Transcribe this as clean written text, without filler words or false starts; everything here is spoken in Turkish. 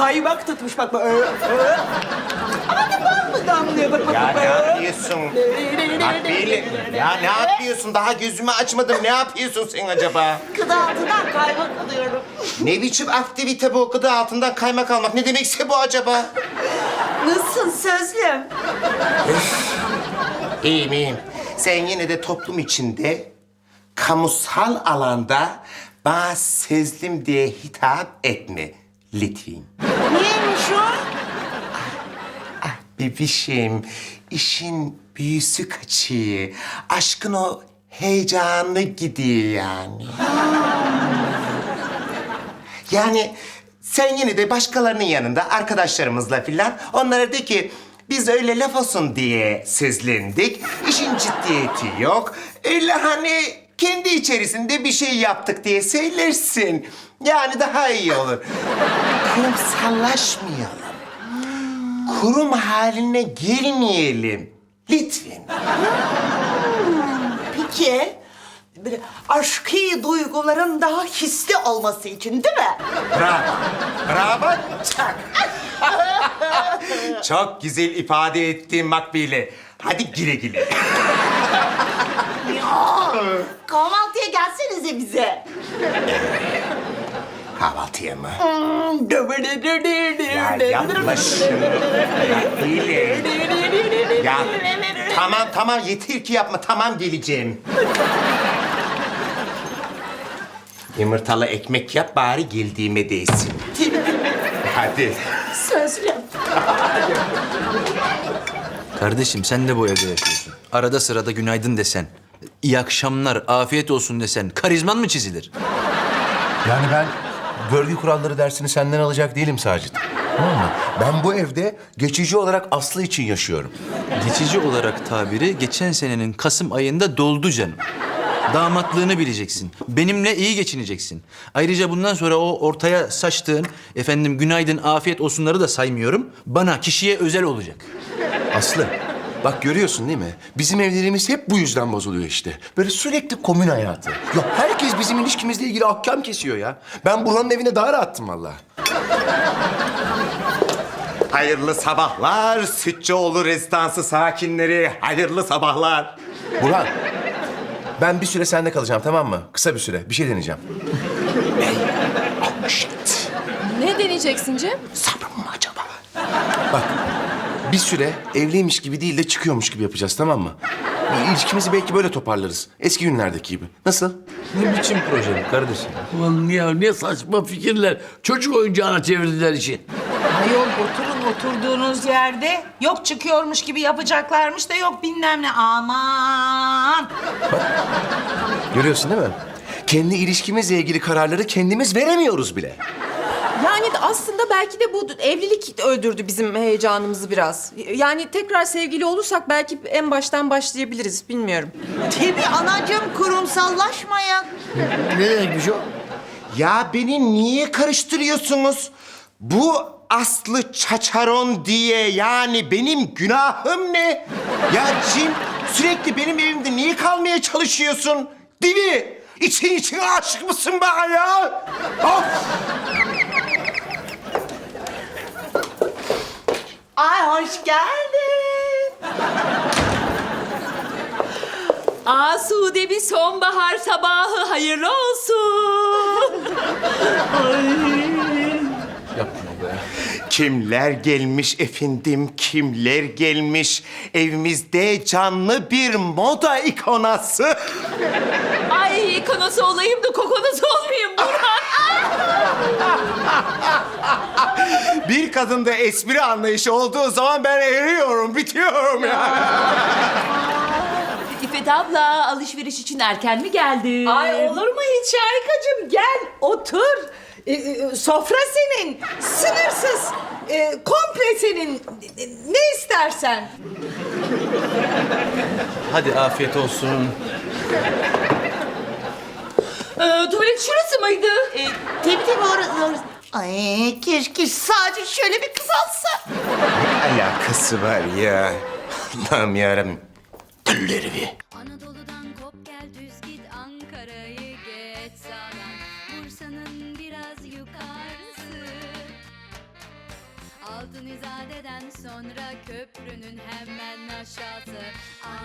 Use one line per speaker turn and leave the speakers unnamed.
kaymak tutmuş bak. Ama ne bal mı damlıyor bak.
Ya ne yapıyorsun? Makbule, ya ne yapıyorsun? Daha gözümü açmadım. Ne yapıyorsun sen acaba?
Kıdı altından kaymak alıyorum.
Ne biçim aktivite bu? Gıda altından kaymak almak. Ne demekse bu acaba?
Nasılsın sözlüm?
İyiyim, iyiyim. Sen yine de toplum içinde, kamusal alanda bana sözlüm diye hitap etme lütfen.
Neymiş o?
Bebişim, işin büyüsü kaçıyor. Aşkın o heyecanı gidiyor yani. Yani sen yine de başkalarının yanında arkadaşlarımızla filan onlara de ki biz öyle laf olsun diye sözlendik. İşin ciddiyeti yok. Öyle hani kendi içerisinde bir şey yaptık diye söylersin. Yani daha iyi olur. Kurumsallaşmayalım. Kurum haline gelmeyelim. Lütfen.
Peki, böyle aşkı duyguların daha hisli olması için değil mi?
Bravo. Bravo. Çak. Çok güzel ifade ettin Makbule. Hadi güle güle.
Kahvaltıya gelsenize bize.
Kahvaltıya mı? Ya yapma şunu. Makbule. Ya tamam yeter ki yapma. Tamam geleceğim. Yumurtalı ekmek yap bari geldiğime değsin. Hadi.
Sözlüm.
Kardeşim sen de bu evde yaşıyorsun. Arada sırada günaydın desen, iyi akşamlar, afiyet olsun desen karizman mı çizilir?
Yani ben görgü kuralları dersini senden alacak değilim Sacit. Tamam mı? Ben bu evde geçici olarak Aslı için yaşıyorum.
Geçici olarak tabiri geçen senenin Kasım ayında doldu canım. Damatlığını bileceksin. Benimle iyi geçineceksin. Ayrıca bundan sonra o ortaya saçtığın efendim günaydın, afiyet olsunları da saymıyorum. Bana, kişiye özel olacak.
Aslı, bak görüyorsun değil mi? Bizim evlerimiz hep bu yüzden bozuluyor işte. Böyle sürekli komün hayatı. Ya herkes bizim ilişkimizle ilgili ahkam kesiyor ya. Ben Burhan'ın evine daha rahattım vallahi.
Hayırlı sabahlar Sütçüoğlu rezidansı sakinleri. Hayırlı sabahlar.
Burhan, ben bir süre sende kalacağım tamam mı? Kısa bir süre. Bir şey deneyeceğim.
Ne deneyeceksin Cem?
Sabrım mı acaba?
Bak, bir süre evliymiş gibi değil de çıkıyormuş gibi yapacağız tamam mı? Bir ilişkimizi belki böyle toparlarız. Eski günlerdeki gibi. Nasıl?
Ne biçim proje bu kardeşim?
Ulan ya ne saçma fikirler. Çocuk oyuncağına çevirdiler işi.
Ayol oturun oturduğunuz yerde. Yok çıkıyormuş gibi yapacaklarmış da yok bilmem ne. Aman.
Görüyorsun değil mi? Kendi ilişkimizle ilgili kararları kendimiz veremiyoruz bile.
Yani aslında belki de bu evlilik öldürdü bizim heyecanımızı biraz. Yani tekrar sevgili olursak belki en baştan başlayabiliriz, bilmiyorum.
Tabii anacığım kurumsallaşmayın.
Ne demekmiş o?
Ya beni niye karıştırıyorsunuz? Bu Aslı Çaçaron diye yani benim günahım ne? Ya Cim sürekli benim evimde niye kalmaya çalışıyorsun? Değil mi? İçine aşık mısın bana ya? Of!
Ay hoş geldin.
Asude bir sonbahar sabahı hayırlı olsun.
Kimler gelmiş efendim, kimler gelmiş? Evimizde canlı bir moda ikonası.
Ay ikonosu olayım da kokonosu olmayayım Burhan.
Bir kadında espri anlayışı olduğu zaman ben eriyorum, bitiyorum ya.
İffet abla alışveriş için erken mi geldin?
Ay olur mu hiç Harikacığım? Gel otur. Sofra senin. Sınırsız. Komple senin. Ne istersen.
Hadi afiyet olsun.
Tuvalet şurası mıydı?
Tabii orası. Ay keşke sadece şöyle bir kız alsa.
Ne alakası var ya? Allah'ım yarabbim. Gülleri bir.
Anadolu'dan kop gel düz git Ankara'yı geç sağdan Bursa'nın biraz yukarısı Altın İzade'den sonra köprünün hemen aşağısı.